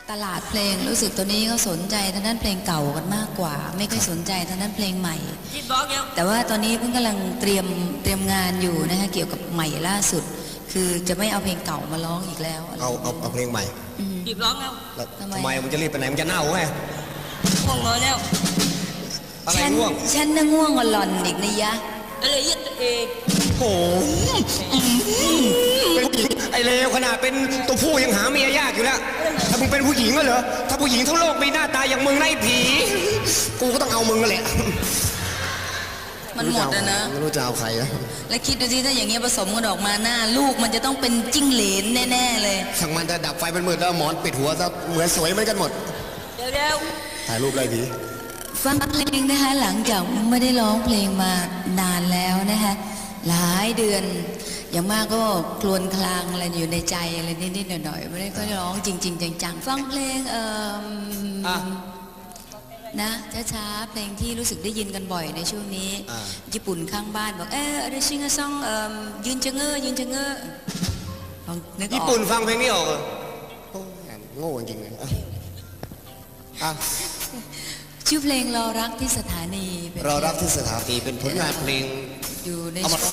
ตลาดเพลงรู้สึกตัวนี้เขาสนใจทางด้านเพลงเก่ากันมากกว่า ไม่ค่อยสนใจทางด้านเพลงใหม่แต่ว่าตอนนี้เพิ่งกำลังเตรียมงานอยู่นะคะเกี่ยวกับใหม่ล่าสุด คือจะไม่เอาเพลงเก่ามาร้องอีกแล้วเอาเพลงใหม่รีบร้องแล้วทำไมมันจะรีบไปไหนมันจะเน่าไงง่วงนอนแล้วอะไรง่วงฉันน่ะง่วงกว่าหล่อนอีกนะยะอะไรยึดเองโอ้เป็นผู้หญิงไอเลวขนาดเป็นตัวผู้ยังหาเมียยากอยู่แล้วถ้ามึงเป็นผู้หญิงก็เหรอถ้าผู้หญิงทั้งโลกมีหน้าตาอย่างมึงไล่ผีกูก็ต้องเอามึงกันแหละมันหมดอะนะไม่รู้จะเอาใครนะแล้วคิดดูสิถ้าอย่างเงี้ยผสมกันออกมาหน้าลูกมันจะต้องเป็นจิ้งเหลนแน่ๆเลยช่างมันจะดับไฟมันมืดแล้วหมอนปิดหัวซะเหมือนสวยเหมือนกันหมดเร็วถ่ายรูปไล่ผีฟังเพลงนะคะหลังจากไม่ได้ร้องเพลงมานานแล้วนะคะหลายเดือนอย่างมากก็คลวนคลางอะไรอยู่ในใจอะไรนิดๆหน่อยๆไม่ได้ก็ร้องจริงๆจังๆฟังเพลงนะช้าๆเพลงที่รู้สึกได้ยินกันบ่อยในช่วงนี้ญี่ปุ่นข้างบ้านบอกอะไรชิงซองยืนจะเง้อยืนจะเง้อนึกออกญี่ปุ่นฟังเพลงนี้ออกเหรอโง่จริงเลยชื่อเพลงรอรักที่สถานีรอรักที่สถานีเป็นผลงานเพลงอยู่ใน